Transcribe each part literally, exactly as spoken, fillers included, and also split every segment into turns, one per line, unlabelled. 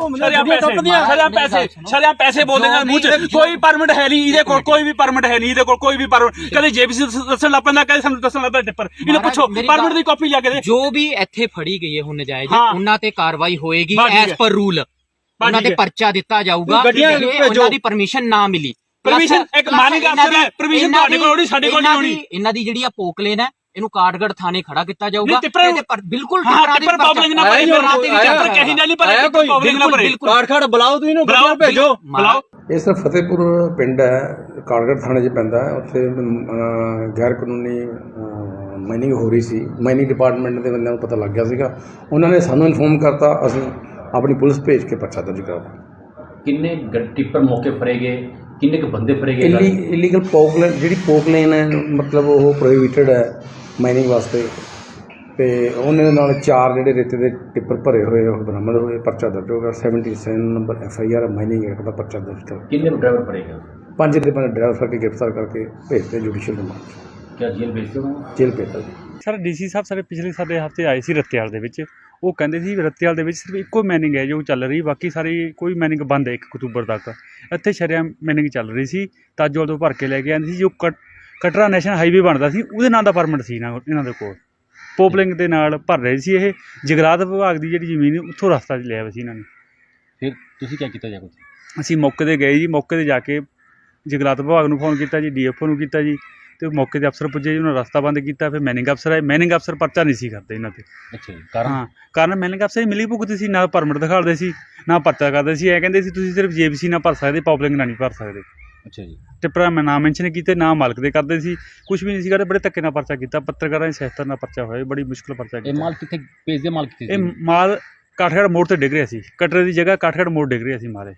पैसे बोल देंगे मुंह च कोई परमिट है नहीं इहदे कोल कोई भी परमिट है नहीं इहदे कोल कोई भी परमिट कदे जेबीसी दस्सण लग पैंदा कदे सानूं दस्सण लग पैंदा टिप्पर इहਨੂੰ ਪੁੱਛੋ परमिट ਦੀ ਕਾਪੀ ਲਿਆ ਕੇ ਦੇ
ਜੋ ਵੀ ਇੱਥੇ ਫੜੀ ਗਈ ਹੈ ਹੁਣ ਨਜਾਇਜ਼ ਉਹਨਾਂ ਤੇ ਕਾਰਵਾਈ ਹੋਏਗੀ ਐਸ ਪਰ ਰੂਲ ਉਹਨਾਂ ਤੇ ਪਰਚਾ ਦਿੱਤਾ ਜਾਊਗਾ ਉਹਨਾਂ ਦੀ ਪਰਮਿਸ਼ਨ ਨਾ ਮਿਲੀ
ਪਰਮਿਸ਼ਨ ਇੱਕ ਮਾਨਿਕ ਅਫਸਰ ਹੈ ਪਰਮਿਸ਼ਨ ਤੁਹਾਡੇ ਕੋਲ ਹੋਣੀ ਸਾਡੇ ਕੋਲ ਨਹੀਂ ਹੋਣੀ
ਇਹਨਾਂ ਦੀ ਜਿਹੜੀ ਆ ਪੋਕਲੇਨ ਹੈ ਇਹਨੂੰ ਕਾਠਗੜ੍ਹ ਥਾਣੇ ਖੜਾ ਕੀਤਾ ਜਾਊਗਾ ਬਿਲਕੁਲ
ਟਿੱਪਰ ਪਬਲਿਕ ਨਾ ਭਰੇ ਟਿੱਪਰ ਕਹੀ ਨਹੀਂ ਭਰੇ ਟਿੱਪਰ ਪਬਲਿਕ ਨਾ ਭਰੇ
ਕਾਠਗੜ੍ਹ ਬੁਲਾਓ ਤੁਸੀਂ ਇਹਨੂੰ ਗੱਡੀਆਂ ਭੇਜੋ
ਬੁਲਾਓ
ਇਹ ਸਰ ਫਤਿਹਪੁਰ ਪਿੰਡ ਹੈ ਕਾਠਗੜ੍ਹ ਥਾਣੇ 'ਚ ਪੈਂਦਾ ਹੈ ਉੱਥੇ ਗੈਰ ਕਾਨੂੰਨੀ ਮਾਈਨਿੰਗ ਹੋ ਰਹੀ ਸੀ ਮਾਈਨਿੰਗ ਡਿਪਾਰਟਮੈਂਟ ਦੇ ਬੰਦਿਆਂ ਨੂੰ ਪਤਾ ਲੱਗ ਗਿਆ ਸੀਗਾ ਉਹਨਾਂ ਨੇ ਸਾਨੂੰ ਇਨਫੋਰਮ ਕਰਤਾ ਅਸੀਂ ਆਪਣੀ ਪੁਲਿਸ ਭੇਜ ਕੇ ਪਰਚਾ ਦਰਜ ਕਰਾਤਾ
ਕਿੰਨੇ ਟਿੱਪਰ ਮੌਕੇ ਫੜੇ ਗਏ ਕਿੰਨੇ ਕੁ ਬੰਦੇ ਫੜੇ ਗਏ
ਇਲੀਗਲ ਪੋਕਲੇਨ ਜਿਹੜੀ ਪੋਕਲੇਨ ਹੈ ਮਤਲਬ ਉਹ ਪ੍ਰੋਹਿਬਿਟਡ ਹੈ ਮਾਈਨਿੰਗ ਵਾਸਤੇ ਤੇ ਉਹਨਾਂ ਨਾਲ ਚਾਰ ਜਿਹੜੇ ਰੇਤੇ ਦੇ ਟਿੱਪਰ ਭਰੇ ਹੋਏ ਉਹ ਬਰਾਮਦ ਹੋਏ ਪਰਚਾ ਦਰਜ ਹੋ ਗਿਆ seventy seven number F I R mining act ਦਾ ਪਰਚਾ ਦਰਜ ਕਰ
ਕਿੰਨੇ ਡਰਾਈਵਰ ਫੜੇ ਗਏ
ਪੰਜ ਦੇ ਪੰਜ ਡਰਾਈਵਰ ਫੜ ਕੇ ਗ੍ਰਿਫਤਾਰ ਕਰਕੇ ਭੇਜਤੇ ਜੁਡੀਸ਼ੀਅਲ ਰਿਮਾਂਡ
ਕਿਆ ਜੇਲ੍ਹ ਭੇਜਦੇ ਹੋ
ਜੇਲ੍ਹ ਭੇਜਤਾ ਜੀ
ਸਰ ਡੀਸੀ ਸਾਹਿਬ ਸਾਡੇ ਪਿਛਲੇ ਸਾਡੇ ਹਫ਼ਤੇ ਆਏ ਸੀ ਰੱਤੇਵਾਲ ਦੇ ਵਿੱਚ ਉਹ ਕਹਿੰਦੇ ਸੀ ਰੱਤੇਵਾਲ ਦੇ ਵਿੱਚ ਸਿਰਫ ਇੱਕੋ ਮਾਈਨਿੰਗ ਹੈ ਜੋ ਚੱਲ ਰਹੀ ਬਾਕੀ ਸਾਰੀ ਕੋਈ ਮਾਈਨਿੰਗ ਬੰਦ ਹੈ ਇੱਕ ਅਕਤੂਬਰ ਤੱਕ ਇੱਥੇ ਸ਼ਰੇਆਮ ਮਾਈਨਿੰਗ ਚੱਲ ਰਹੀ ਸੀ ਤਾਜੋਲ ਤੋਂ ਭਰ ਕੇ ਲੈ ਕੇ ਆਉਂਦੀ ਸੀ ਜੋ ਕਟ ਕਟਰਾ ਨੈਸ਼ਨਲ ਹਾਈਵੇ ਬਣਦਾ ਸੀ ਉਹਦੇ ਨਾਂ ਦਾ ਪਰਮਿਟ ਸੀ ਨਾ ਇਹਨਾਂ ਦੇ ਕੋਲ ਪੋਪਲਿੰਗ ਦੇ ਨਾਲ ਭਰ ਰਹੇ ਸੀ ਇਹ ਜਗਰਾਤ ਵਿਭਾਗ ਦੀ ਜਿਹੜੀ ਜ਼ਮੀਨ ਉੱਥੋਂ ਰਸਤਾ ਲਿਆ ਹੋਇਆ ਸੀ ਇਹਨਾਂ ਨੇ
ਫਿਰ ਤੁਸੀਂ ਕੀ ਕੀਤਾ ਜਾ ਕੁਝ
ਅਸੀਂ ਮੌਕੇ 'ਤੇ ਗਏ ਜੀ ਮੌਕੇ 'ਤੇ ਜਾ ਕੇ ਜਗਰਾਤ ਵਿਭਾਗ ਨੂੰ ਫੋਨ ਕੀਤਾ ਜੀ ਡੀ ਐਫ ਓ ਨੂੰ ਕੀਤਾ ਜੀ ਤੇ ਮੌਕੇ 'ਤੇ ਅਫਸਰ ਪੁੱਜੇ ਜੀ ਉਹਨਾਂ ਰਸਤਾ ਬੰਦ ਕੀਤਾ ਫਿਰ ਮੈਨਿੰਗ ਅਫਸਰ ਆਏ ਮੈਨਿੰਗ ਅਫਸਰ ਪਰਚਾ ਨਹੀਂ ਸੀ ਕਰਦੇ ਇਹਨਾਂ 'ਤੇ
ਅੱਛਾ ਜੀ ਕਾਰਨ
ਹਾਂ ਕਾਰਨ ਮੈਨਿੰਗ ਅਫਸਰ ਹੀ ਮਿਲੀ ਭੁਗਤੀ ਸੀ ਨਾ ਪਰਮਿਟ ਦਿਖਾਉਂਦੇ ਸੀ ਨਾ ਪਰਚਾ ਕਰਦੇ ਸੀ ਇਹ ਕਹਿੰਦੇ ਸੀ ਤੁਸੀਂ ਸਿਰਫ ਜੇਬੀਸੀ ਨਾ ਭਰ ਸਕਦੇ ਪਬਲਿਕ ਨਾਲ ਨਹੀਂ ਭਰ ਸਕਦੇ
ਅੱਛਾ ਜੀ
ਟਿੱਪਰਾਂ ਮੈਂ ਨਾਮ ਮੈਂਸ਼ਨ ਕੀਤੇ ਨਾ ਮਾਲਕ ਦੇ ਕਰਦੇ ਸੀ ਕੁਝ ਵੀ ਨਹੀਂ ਸੀ ਕਰਦੇ ਬੜੇ ਧੱਕੇ ਨਾਲ ਪਰਚਾ ਕੀਤਾ ਪੱਤਰਕਾਰਾਂ ਦੀ ਸਹਾਇਤਾ ਨਾਲ ਪਰਚਾ ਹੋਇਆ ਬੜੀ ਮੁਸ਼ਕਿਲ ਪਰਚਾ ਕੀਤਾ
ਇਹ ਮਾਲ ਕਿੱਥੇ ਭੇਜਦੇ ਮਾਲ ਕਿੱਥੇ
ਇਹ ਮਾਲ ਕਾਠਗੜ੍ਹ ਮੋੜ ਤੇ ਡਿੱਗ ਰਿਹਾ ਸੀ ਕਟਰੇ ਦੀ ਜਗ੍ਹਾ ਕਾਠਗੜ੍ਹ ਮੋੜ ਡਿੱਗ ਰਿਹਾ ਸੀ ਮਾਰੇ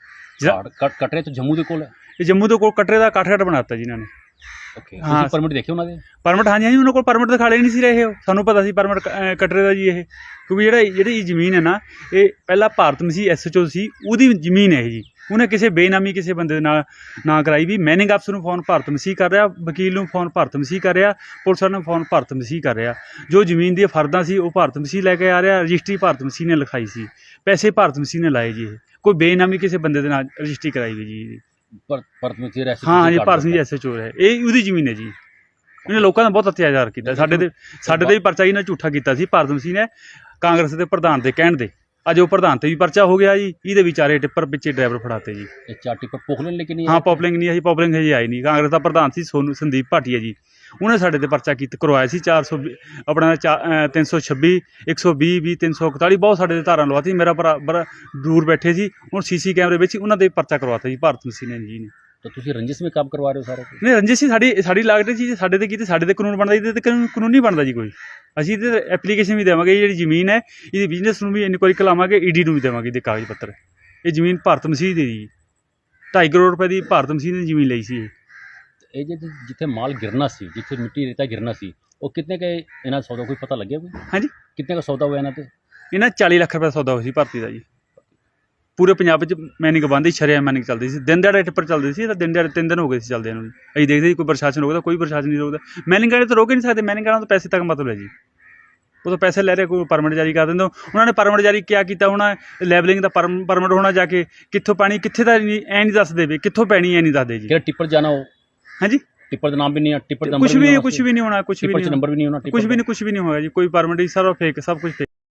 ਕਟਰੇ ਤੋਂ ਜੰਮੂ ਦੇ ਕੋਲ ਹੈ
ਇਹ ਜੰਮੂ ਦੇ ਕੋਲ ਕਟਰੇ ਦਾ ਕਾਠਗੜ੍ਹ ਬਣਾਤਾ ਜੀ ਇਹਨਾਂ ਨੇ
ਓਕੇ ਤੁਸੀਂ ਪਰਮਿਟ ਦੇਖੇ ਉਹਨਾਂ ਦੇ
ਪਰਮਿਟ ਹਾਂਜੀ ਹਾਂਜੀ ਉਹਨਾਂ ਕੋਲ ਪਰਮਿਟ ਦਿਖਾਲੇ ਨਹੀਂ ਸੀ ਰਹੇ ਉਹ ਸਾਨੂੰ ਪਤਾ ਸੀ ਪਰਮਿਟ ਕਟਰੇ ਦਾ ਜੀ ਇਹ ਕਿਉਂਕਿ ਜਿਹੜਾ ਜਿਹੜੀ ਜ਼ਮੀਨ ਹੈ ਨਾ ਇਹ ਪਹਿਲਾਂ Bharat Masih S H O ਸੀ ਉਹਦੀ ਜ਼ਮੀਨ ਹੈ ਇਹ ਜੀ ਉਹਨੇ ਕਿਸੇ ਬੇਨਾਮੀ ਕਿਸੇ ਬੰਦੇ ਦੇ ਨਾਲ ਨਾ ਕਰਾਈ ਵੀ ਮੈਨਿੰਗ ਅਫਸਰ ਨੂੰ ਫੋਨ ਭਾਰਤ ਮਸੀਹ ਕਰ ਰਿਹਾ ਵਕੀਲ ਨੂੰ ਫੋਨ ਭਾਰਤ ਮਸੀਹ ਕਰ ਰਿਹਾ ਪੁਲਿਸ ਵਾਲਿਆਂ ਨੂੰ ਫੋਨ ਭਾਰਤ ਮਸੀਹ ਕਰ ਰਿਹਾ ਜੋ ਜ਼ਮੀਨ ਦੀਆਂ ਫਰਦਾਂ ਸੀ ਉਹ ਭਾਰਤ ਮਸੀਹ ਲੈ ਕੇ ਆ ਰਿਹਾ ਰਜਿਸਟਰੀ ਭਾਰਤ ਮਸੀਹ ਨੇ ਲਿਖਾਈ ਸੀ ਪੈਸੇ ਭਾਰਤ ਮਸੀਹ ਨੇ ਲਾਏ ਜੀ ਇਹ ਕੋਈ ਬੇਨਾਮੀ ਕਿਸੇ ਬੰਦੇ ਦੇ ਨਾਲ ਰਜਿਸਟਰੀ ਕਰਾਈ ਹੋਈ ਜੀ
ਭਾਰਤ ਮਸੀਹ
ਹਾਂ ਜੀ Bharat Masih S H O ਹੈ ਇਹ ਉਹਦੀ ਜ਼ਮੀਨ ਹੈ ਜੀ ਇਹਨੇ ਲੋਕਾਂ ਦਾ ਬਹੁਤ ਅਤਿਆਚਾਰ ਕੀਤਾ ਸਾਡੇ ਤੇ ਸਾਡੇ ਤੇ ਵੀ ਪਰਚਾ ਇਹਨਾਂ ਝੂਠਾ ਕੀਤਾ ਸੀ ਭਾਰਤ ਮਸੀਹ ਨੇ ਕਾਂਗਰਸ ਦੇ ਪ੍ਰਧਾਨ ਦੇ ਕਹਿਣ ਦੇ ਅੱਜ ਉਹ ਪ੍ਰਧਾਨ ਤੇ ਵੀ ਪਰਚਾ ਹੋ ਗਿਆ ਜੀ ਇਹਦੇ ਵਿਚਾਰੇ ਟਿੱਪਰ ਪਿੱਛੇ ਡਰਾਈਵਰ ਫੜਾਤੇ ਜੀ
ਇਹ ਚਾਰ ਟਿੱਪਰ ਪੋਕਲਿੰਗ ਲੈ ਕੇ ਨਹੀਂ
ਹਾਂ ਪੋਪਲਿੰਗ ਨਹੀਂ ਆਈ ਪੋਪਲਿੰਗ ਹਜੇ ਆਈ ਨਹੀਂ ਕਾਂਗਰਸ ਦਾ ਪ੍ਰਧਾਨ ਸੀ ਸੋਨੂ ਸੰਦੀਪ ਭਾਟੀਆ ਜੀ ਉਹਨੇ ਸਾਡੇ ਤੇ ਪਰਚਾ ਕੀਤਾ ਕਰਵਾਇਆ ਸੀ ਚਾਰ ਸੌ ਆਪਣਾ ਤਿੰਨ ਸੌ ਛੱਬੀ ਇੱਕ ਸੌ ਵੀਹ ਵੀਹ ਤਿੰਨ ਸੌ ਇਕਤਾਲੀ ਬਹੁਤ ਸਾਡੇ ਤੇ ਧਾਰਾਂ ਲਵਾਤੀ ਮੇਰਾ ਭਰਾ ਬੜਾ ਦੂਰ ਬੈਠੇ ਸੀ ਹੁਣ ਸੀ ਸੀ ਕੈਮਰੇ ਵਿੱਚ ਉਹਨਾਂ ਦੇ ਪਰਚਾ ਕਰਵਾਤਾ ਜੀ ਭਾਰਤ ਮਸੀਹ ਨੇ ਜੀ ਨੇ
ਤਾਂ ਤੁਸੀਂ ਰੰਜਿਸ਼ ਵਿੱਚ ਕੰਮ ਕਰਵਾ ਰਹੇ ਹੋ ਸਾਰਾ
ਨਹੀਂ ਰੰਜਿਸ਼ ਸੀ ਸਾਡੀ ਸਾਡੀ ਲਾਗਤ ਜੀ ਸਾਡੇ ਤੇ ਕੀਤੇ ਸਾਡੇ ਤੇ ਕਾਨੂੰਨ ਬਣਦਾ ਇਹਦੇ ਤੇ ਕਾਨੂੰਨ ਨਹੀਂ ਬਣਦਾ ਜੀ ਕੋਈ ਅਸੀਂ ਇਹਦੇ ਐਪਲੀਕੇਸ਼ਨ ਵੀ ਦੇਵਾਂਗੇ ਜਿਹੜੀ ਜ਼ਮੀਨ ਹੈ ਇਹਦੀ ਬਿਜ਼ਨਸ ਨੂੰ ਵੀ ਇਨਕੁਆਇਰੀ ਕਰਾਵਾਂਗੇ ਈ ਡੀ ਨੂੰ ਵੀ ਦੇਵਾਂਗੇ ਇਹਦੇ ਕਾਗਜ਼ ਪੱਤਰ ਇਹ ਜ਼ਮੀਨ ਭਾਰਤ ਮਸੀਹ ਦੀ ਜੀ ਢਾਈ ਕਰੋੜ ਰੁਪਏ ਦੀ ਭਾਰਤ ਮਸੀਹ ਨੇ ਜ਼ਮੀਨ ਲਈ ਸੀ
ਇਹ ਜੇ ਜਿੱਥੇ ਮਾਲ ਗਿਰਨਾ ਸੀ ਜਿੱਥੇ ਮਿੱਟੀ ਰੇਤਾ ਗਿਰਨਾ ਸੀ ਉਹ ਕਿੰਨੇ ਕੇ ਇਹਨਾਂ ਸੌਦਾ ਕੋਈ ਪਤਾ ਲੱਗਿਆ ਕੋਈ
ਹਾਂਜੀ
ਕਿੰਨੇ ਦਾ ਸੌਦਾ ਹੋਇਆ ਇਹਨਾਂ ਤੇ
ਇਹਨਾਂ ਚਾਲੀ ਲੱਖ ਰੁਪਏ ਸੌਦਾ ਹੋਇਆ ਸੀ ਭਰਤੀ ਦਾ ਜੀ ਪੂਰੇ ਪੰਜਾਬ ਵਿੱਚ ਮੈਨਿੰਗ ਬੰਦ ਹੀ ਸ਼ਰੇਆਮ ਮੈਨਿੰਗ ਚੱਲਦੀ ਸੀ ਦਿਨ ਦਿਹਾੜੇ ਟਿੱਪਰ ਚੱਲਦੇ ਸੀ ਤਾਂ ਦਿਨ ਦਿਹਾੜੇ ਤਿੰਨ ਦਿਨ ਹੋ ਗਏ ਸੀ ਚੱਲਦੇ ਨੂੰ ਅਸੀਂ ਦੇਖਦੇ ਸੀ ਕੋਈ ਪ੍ਰਸ਼ਾਸਨ ਰੋਕਦਾ ਕੋਈ ਪ੍ਰਸ਼ਾਸਨ ਨਹੀਂ ਰੋਕਦਾ ਮੈਨਿੰਗ ਵਾਲੇ ਤਾਂ ਰੋਕ ਹੀ ਨਹੀਂ ਸਕਦੇ ਮੈਨਿੰਗ ਵਾਲਿਆਂ ਤੋਂ ਪੈਸੇ ਤੱਕ ਮਤਲਬ ਹੈ ਜੀ ਉਹ ਤਾਂ ਪੈਸੇ ਲੈ ਰਹੇ ਕੋਈ ਪਰਮਿਟ ਜਾਰੀ ਕਰ ਦਿੰਦੇ ਉਹਨਾਂ ਨੇ ਪਰਮਿਟ ਜਾਰੀ ਕਿਆ ਕੀਤਾ ਹੋਣਾ ਲੈਵਲਿੰਗ ਦਾ ਪਰਮ ਪਰਮਿਟ ਹੋਣਾ ਜਾ ਕੇ ਕਿੱਥੋਂ ਪਾਣੀ ਕਿੱਥੇ ਦਾ ਨਹੀਂ ਐ ਨਹੀਂ ਦੱਸਦੇ ਵੀ ਕਿੱਥੋਂ ਪੈਣੀ ਐ ਨਹੀਂ ਦੱਸਦੇ ਜੀ
ਜਿਹੜਾ ਟਿੱਪਰ ਜਾਣਾ ਉਹ
ਹਾਂਜੀ
ਟਿੱਪਰ ਦਾ ਨਾਮ ਵੀ ਨਹੀਂ ਟਿੱਪਰ ਦਾ
ਕੁਝ ਵੀ ਕੁਝ ਵੀ ਨਹੀਂ ਹੋਣਾ ਕੁਝ ਵੀ
ਨੰਬਰ ਵੀ ਨਹੀਂ ਹੋਣਾ
ਕੁਝ ਵੀ ਨਹੀਂ ਕੁਝ ਵੀ ਨਹੀਂ ਹੋਇਆ ਜੀ ਕੋਈ ਪਰਮਿਟ ਹੀ ਸਾਰਾ ਫੇਕ ਸਭ ਕੁਝ